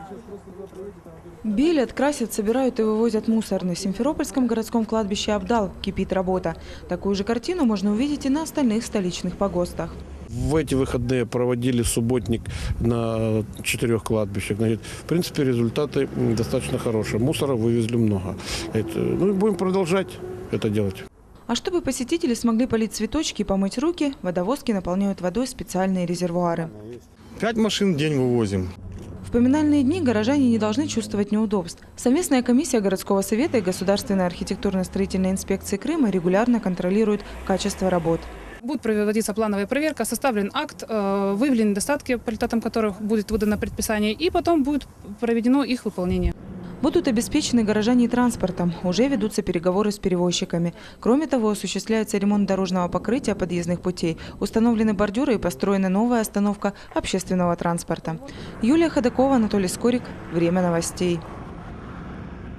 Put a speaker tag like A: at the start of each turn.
A: Белят, красят, собирают и вывозят мусор. На Симферопольском городском кладбище Абдал кипит работа. Такую же картину можно увидеть и на остальных столичных погостах.
B: В эти выходные проводили субботник на 4 кладбищах. В принципе, результаты достаточно хорошие. Мусора вывезли много. И будем продолжать это делать.
A: А чтобы посетители смогли полить цветочки и помыть руки, водовозки наполняют водой специальные резервуары.
C: 5 машин в день вывозим.
A: В поминальные дни горожане не должны чувствовать неудобств. Совместная комиссия городского совета и Государственной архитектурно-строительной инспекции Крыма регулярно контролирует качество работ.
D: Будет проводиться плановая проверка, составлен акт, выявлены недостатки, по результатам которых будет выдано предписание, и потом будет проведено их выполнение.
A: Будут обеспечены горожане и транспортом. Уже ведутся переговоры с перевозчиками. Кроме того, осуществляется ремонт дорожного покрытия подъездных путей. Установлены бордюры и построена новая остановка общественного транспорта. Юлия Ходакова, Анатолий Скорик. Время новостей.